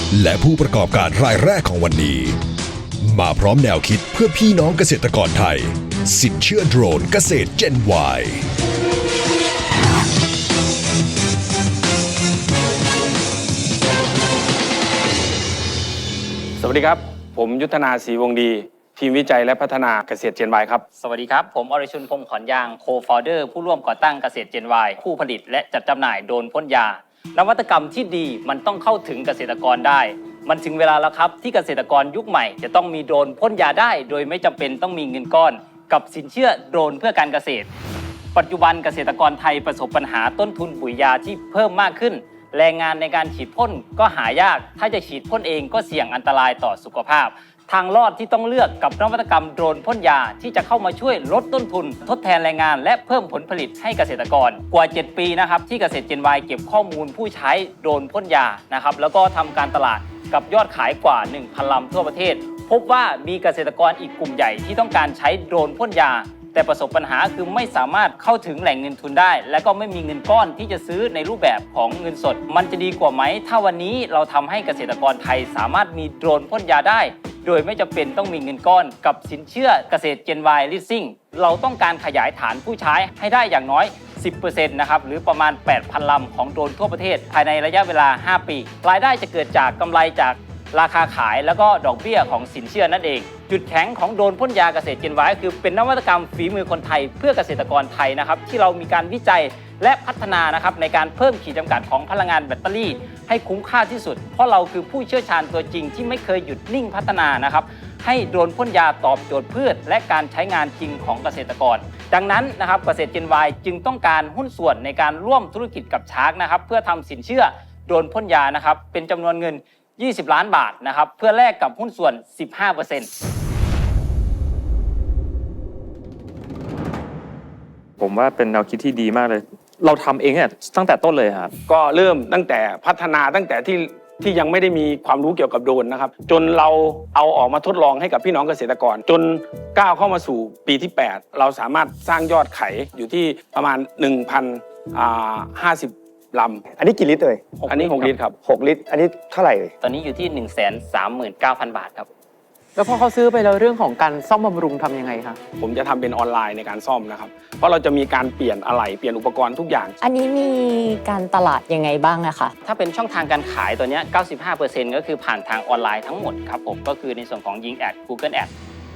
และผู้ประกอบการรายแรกของวันนี้ มาพร้อมแนวคิดเพื่อพี่น้องเกษตรกรไทยสินเชื่อโดรนเกษตร Gen Y สวัสดีครับผมยุทธนาศรีวงศ์ดีทีมวิจัยและพัฒนาเกษตร Gen Y ครับสวัสดีครับผมอรชุนพงษ์ขอนยางโคฟาวเดอร์ผู้ร่วมก่อตั้งเกษตร Gen Y ผู้ผลิตและจัดจำหน่ายโดรนพ่นยานวัตกรรมที่ดีมันต้องเข้าถึงเกษตรกรได้มันถึงเวลาแล้วครับที่เกษตรกรยุคใหม่จะต้องมีโดรนพ่นยาได้โดยไม่จำเป็นต้องมีเงินก้อนกับสินเชื่อโดรนเพื่อการเกษตรปัจจุบันเกษตรกรไทยประสบปัญหาต้นทุนปุ๋ยยาที่เพิ่มมากขึ้นแรงงานในการฉีดพ่นก็หายากถ้าจะฉีดพ่นเองก็เสี่ยงอันตรายต่อสุขภาพทางรอดที่ต้องเลือกกับนวัตกรรมโดรนพ่นยาที่จะเข้ามาช่วยลดต้นทุนทดแทนแรงงานและเพิ่มผลผลิตให้เกษตรกรกว่า7ปีนะครับที่เกษตร Gen Y เก็บข้อมูลผู้ใช้โดรนพ่นยานะครับแล้วก็ทำการตลาดกับยอดขายกว่า 1,000 ลำทั่วประเทศพบว่ามีเกษตรกรอีกกลุ่มใหญ่ที่ต้องการใช้โดรนพ่นยาแต่ประสบปัญหาคือไม่สามารถเข้าถึงแหล่งเงินทุนได้และก็ไม่มีเงินก้อนที่จะซื้อในรูปแบบของเงินสดมันจะดีกว่าไหมถ้าวันนี้เราทำให้เกษตรกรไทยสามารถมีโดรนพ่นยาได้โดยไม่จำเป็นต้องมีเงินก้อนกับสินเชื่อเกษตร Gen Y Leasing เราต้องการขยายฐานผู้ใช้ให้ได้อย่างน้อย 10% นะครับหรือประมาณ 8,000 ลำของโดรนทั่วประเทศภายในระยะเวลา 5 ปีรายได้จะเกิดจากกำไรจากราคาขายแล้วก็ดอกเบี้ยของสินเชื่อนั่นเองจุดแข็งของโดรนพ่นยาเกษตร Gen Y คือเป็นนวัตกรรมฝีมือคนไทยเพื่อเกษตรกรไทยนะครับที่เรามีการวิจัยและพัฒนานะครับในการเพิ่มขีดจำกัดของพลังงานแบตเตอรี่ให้คุ้มค่าที่สุดเพราะเราคือผู้เชี่ยวชาญตัวจริงที่ไม่เคยหยุดนิ่งพัฒนานะครับให้โดรนพ่นยาตอบโจทย์พืชและการใช้งานจริงของเกษตรกรดังนั้นนะครับเกษตร Gen Y จึงต้องการหุ้นส่วนในการร่วมธุรกิจกับชาร์กนะครับเพื่อทำสินเชื่อโดรนพ่นยานะครับเป็นจำนวนเงิน20 ล้านบาทนะครับเพื่อแลกกับหุ้นส่วน 15% ผมว่าเป็นแนวคิดที่ดีมากเลยเราทำเองเนี่ยตั้งแต่ต้นเลยครับก็เริ่มตั้งแต่พัฒนาตั้งแต่ที่ยังไม่ได้มีความรู้เกี่ยวกับโดรนนะครับจนเราเอาออกมาทดลองให้กับพี่น้องเกษตรกรจนก้าวเข้ามาสู่ปีที่ 8เราสามารถสร้างยอดขายอยู่ที่ประมาณ 1,050 ลำอันนี้กี่ลิตรเลยอันนี้6 ลิตรครับ 6 ลิตรอันนี้เท่าไหร่เลยตอนนี้อยู่ที่ 139,000 บาทครับแล้วพอเขาซื้อไปแล้วเรื่องของการซ่อมบำรุงทำยังไงคะผมจะทำเป็นออนไลน์ในการซ่อมนะครับเพราะเราจะมีการเปลี่ยนอะไหล่เปลี่ยนอุปกรณ์ทุกอย่างอันนี้มีการตลาดยังไงบ้างอะคะถ้าเป็นช่องทางการขายตัวนี้ 95% ก็คือผ่านทางออนไลน์ทั้งหมดครับผมก็คือในส่วนของยิงแอด Google Ads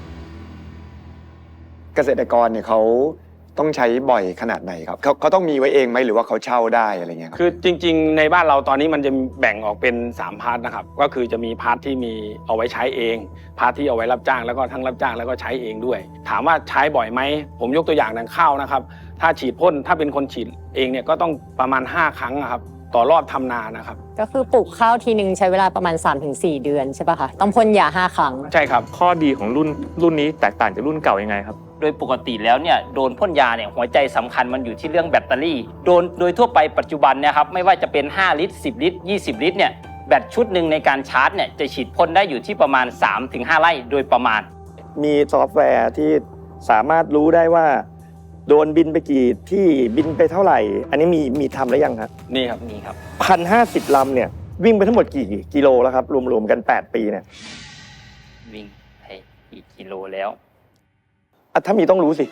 เกษตรกรเนี่ยเขาต้องใช้บ่อยขนาดไหนครับเขาต้องมีไว้เองไหมหรือว่าเขาเช่าได้อะไรเงี้ยคือจริงๆในบ้านเราตอนนี้มันจะแบ่งออกเป็น3 พาร์ทนะครับก็คือจะมีพาร์ทที่มีเอาไว้ใช้เองพาร์ทที่เอาไว้รับจ้างแล้วก็ทั้งรับจ้างแล้วก็ใช้เองด้วยถามว่าใช้บ่อยไหมผมยกตัวอย่างดังข้าวนะครับถ้าฉีดพ่นถ้าเป็นคนฉีดเองเนี่ยก็ต้องประมาณ5 ครั้งครับต่อรอบทำนานะครับก็คือปลูกข้าวทีนึงใช้เวลาประมาณ 3-4 เดือนใช่ป่ะคะต้องพ่นยา5 ครั้งใช่ครับข้อดีของรุ่นนี้แตกต่างจากรุ่นเก่ายังไงครับโดยปกติแล้วเนี่ยโดรนพ่นยาเนี่ยหัวใจสำคัญมันอยู่ที่เรื่องแบตเตอรี่โดยทั่วไปปัจจุบันเนี่ยครับไม่ว่าจะเป็น5 ลิตร10 ลิตร20 ลิตรเนี่ยแบตชุดหนึ่งในการชาร์จเนี่ยจะฉีดพ่นได้อยู่ที่ประมาณ 3-5 ไร่โดยประมาณมีซอฟต์แวร์ที่สามารถรู้ได้ว่าโดนบินไปกี่ที่บินไปเท่าไหร่อันนี้มีทำแล้วยังครับนี่ครับมีครับ 1,050 ลำเนี่ยวิ่งไปทั้งหมดกี่กิโลแล้วครับรวมๆกัน8 ปีเนี่ยวิ่งไปกี่กิโลแล้วถ้ามีต้องรู้สิ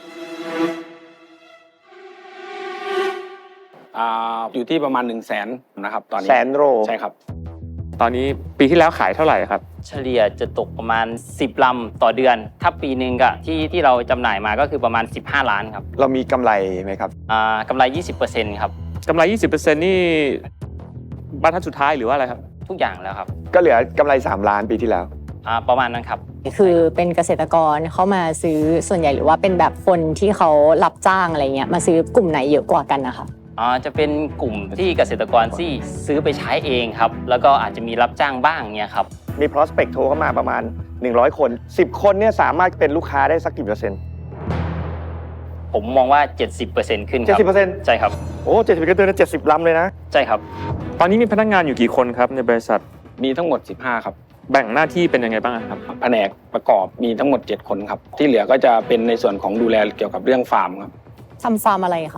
อยู่ที่ประมาณ 100,000 นะครับตอนนี้ 100,000 โลใช่ครับตอนนี้ปีที่แล้วขายเท่าไหร่ครับเฉลี่ยจะตกประมาณ10 ลำต่อเดือนถ้าปีนึงก็ที่เราจำหน่ายมาก็คือประมาณ15 ล้านครับเรามีกำไรไหมครับกำไร 20% ครับกำไร 20% นี่บรรทัดสุดท้ายหรือว่าอะไรครับทุกอย่างแล้วครับก็เหลือกำไร3 ล้านปีที่แล้วประมาณนั้นครับคือเป็นเกษตรกรเขามาซื้อส่วนใหญ่หรือว่าเป็นแบบคนที่เขารับจ้างอะไรเงี้ยมาซื้อกลุ่มไหนเยอะกว่ากันนะคะจะเป็นกลุ่มที่เกษตรกรที่ซื้อไปใช้เองครับแล้วก็อาจจะมีรับจ้างบ้างเนี่ยครับมี prospect โทรเข้ามาประมาณ100 คน10 คนเนี่ยสามารถเป็นลูกค้าได้สักกี่% ผมมองว่า 70% ขึ้นครับ 70% ใช่ครับโอ้70%ก็เดือนละ70 ลำเลยนะใช่ครับตอนนี้มีพนักงานอยู่กี่คนครับในบริษัทมีทั้งหมด15ครับแบ่งหน้าที่เป็นยังไงบ้างครับแผนกประกอบมีทั้งหมด7 คนครับที่เหลือก็จะเป็นในส่วนของดูแลเกี่ยวกับเรื่องฟาร์มครับทำฟาร์มอะไรคะ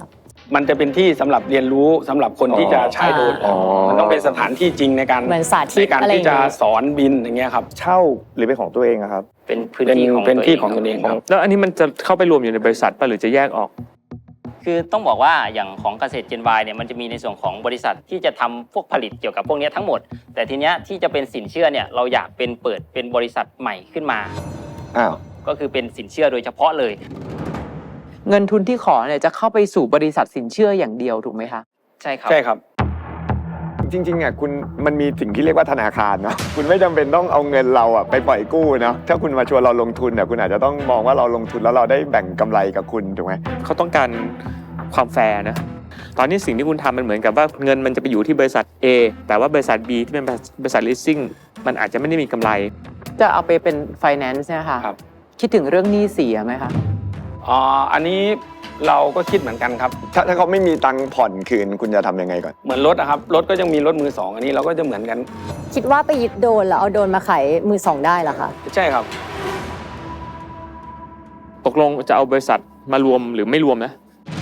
มันจะเป็นที่สำหรับเรียนรู้สำหรับคนที่จะใช้โดรนอ๋อมันต้องเป็นสถานที่จริงในการเหมือนสาธิตในการอะไรอที่ย่างจะเงี้ยสอนบินอย่างเงี้ยครับเช่าหรือเป็นของตัวเองอะครับเป็นพื้นเป็นที่ของเป็นที่ของคตัรับวเองครับแล้วอันนี้มันจะเข้าไปรวมอยู่ในบริษัทป่ะหรือจะแยกออกคือต้องบอกว่าอย่างของเกษตร Gen Y เนี่ยมันจะมีในส่วนของบริษัทที่จะทำพวกผลิตเกี่ยวกับพวกเนี้ยทั้งหมด แต่ทีเนี้ยที่จะเป็นสินเชื่อเนี่ยเราอยากเปิดเป็นบริษัทใหม่ขึ้นมาอ้าวก็คือเป็นสินเชื่อโดยเฉพาะเลยเงินทุนที่ขอเนี่ยจะเข้าไปสู่บริษัทสินเชื่ออย่างเดียวถูกไหมคะใช่ครับใช่ครับจริงๆอ่ะคุณมันมีสิ่งที่เรียกว่าธนาคารเนาะ คุณไม่จำเป็นต้องเอาเงินเราอ่ะไปปล่อยกู้เนาะถ้าคุณมาชวนเราลงทุนอ่ะคุณอาจจะต้องมองว่าเราลงทุนแล้วเราได้แบ่งกำไรกับคุณถูกไหมเขาต้องการความแฟร์นะ ตอนนี้สิ่งที่คุณทำมันเหมือนกับว่าเงินมันจะไปอยู่ที่บริษัท A แต่ว่าบริษัท B ที่เป็นบริษัท leasing มันอาจจะไม่ได้มีกำไรจะเอาไปเป็น finance เนะคะครับคิดถึงเรื่องหนี้เสียไหมคะอันนี้เราก็คิดเหมือนกันครับถ้าเขาไม่มีตังค์ผ่อนคืนคุณจะทำยังไงก่อนเหมือนรถอะครับรถก็ยังมีรถมือสองอันนี้เราก็จะเหมือนกันคิดว่าไปยึดโดรนแล้วเอาโดรนมาขายมือสองได้เหรอคะใช่ครับตกลงจะเอาบริษัทมารวมหรือไม่รวมนะ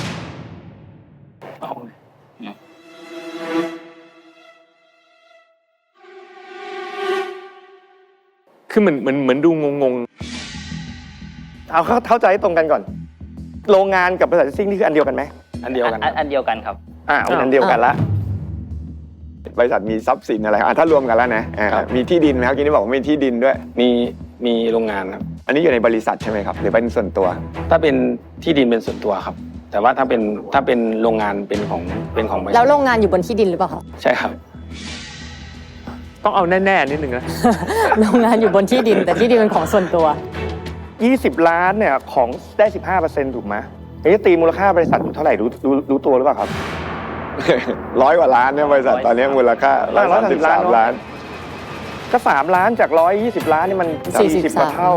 คือเหมือนดูงงเอาเข้าใจให้ตรงกันก่อน โรงงานกับบริษัทซิ่งนี่คืออันเดียวกันไหมอันเดียวกันครับอันเดียวกันครับเป็นอันเดียวกันละบริษัทมีทรัพย์สินอะไรถ้ารวมกันแล้วนะมีที่ดินไหมครับกี้นี่บอกว่ามีที่ดินด้วยมีโรงงานครับอันนี้อยู่ในบริษัทใช่ไหมครับหรือเป็นส่วนตัวถ้าเป็นที่ดินเป็นส่วนตัวครับ แต่ว่าถ้าเป็นโรงงานเป็นของบริษัทแล้วโรงงานอยู่บนที่ดินหรือเปล่าคะใช่ครับๆ ต้องเอาแน่ๆนิดนึงนะโรงงานอยู่บนที่ดิน แต่ที่ดินเป็นของส่วนตัว 20 ล้านเนี่ยของได้ 15%ถูกไหมนี่ตีมูลค่าบริษัทอยู่เท่าไหร่รู้ตัวหรือเปล่าครับ 100 กว่าล้านเนี่ยบริษัทตอนนี้มูลค่า133 ล้าน ก็ 3 ล้านจาก 120 ล้านนี่มัน 40 กว่าเท่า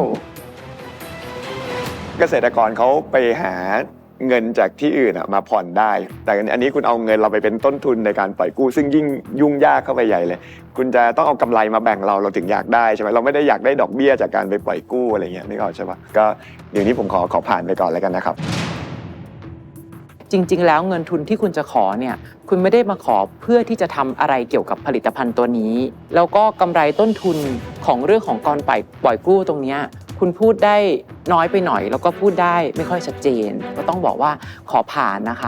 เกษตรกรเขาไปหาเงินจากที่อื่นมาผ่อนได้ แต่อันนี้คุณเอาเงินเราไปเป็นต้นทุนในการปล่อยกู้ซึ่งยิ่งยุ่งยากเข้าไปใหญ่เลย คุณจะต้องเอากำไรมาแบ่งเราถึงอยากได้ใช่ไหมเราไม่ได้อยากได้ดอกเบี้ยจากการไปปล่อยกู้อะไรเงี้ยไม่เข้าใช่ปะก็เดี๋ยวนี้ผมขอผ่านไปก่อนแล้วกันนะครับจริง ๆ แล้วเงินทุนที่คุณจะขอเนี่ยคุณไม่ได้มาขอเพื่อที่จะทำอะไรเกี่ยวกับผลิตภัณฑ์ตัวนี้ แล้วก็กำไรต้นทุนของเรื่องของการปล่อยกู้ตรงเนี้ยคุณพูดได้น้อยไปหน่อย แล้วก็พูดได้ไม่ค่อยชัดเจนก็ต้องบอกว่าขอผ่านนะคะ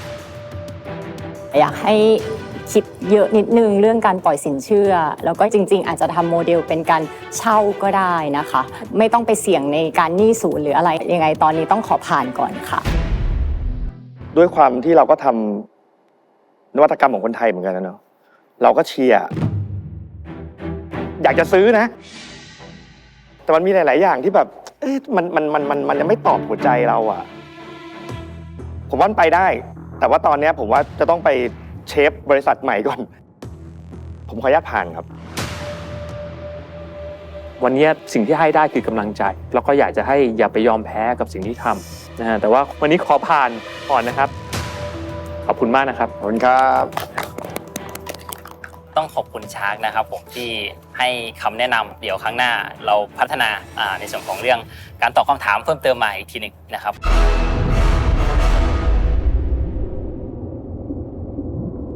อยากให้คิดเยอะนิดนึงเรื่องการปล่อยสินเชื่อ แล้วก็จริง ๆ อาจจะทำโมเดลเป็นการเช่าก็ได้นะคะ ไม่ต้องไปเสี่ยงในการหนี้ศูนย์หรืออะไรยังไงตอนนี้ต้องขอผ่านก่อนค่ะด้วยความที่เราก็ทำนวัตกรรมของคนไทยเหมือนกันนะเนาะเราก็เชียร์อยากจะซื้อนะ แต่มันมีหลาย ๆ อย่างที่แบบมันยังไม่ตอบหัวใจเราอะผมว่ามันไปได้ แต่ว่าตอนนี้ผมว่าจะต้องไปเชฟบริษัทใหม่ก่อน ผมขออนุญาตผ่านครับวันนี้สิ่งที่ให้ได้คือกำลังใจ แล้วก็อยากจะให้อย่าไปยอมแพ้กับสิ่งที่ทำนะฮะแต่ว่าวันนี้ขอผ่านก่อนนะครับ ขอบคุณมากนะครับขอบคุณครับต้องขอบคุณชาร์กนะครับผมที่ให้คำแนะนำเดี๋ยวครั้งหน้าเราพัฒนาในส่วนของเรื่องการตอบคำถามเพิ่มเติมมาอีกทีหนึ่งนะครับ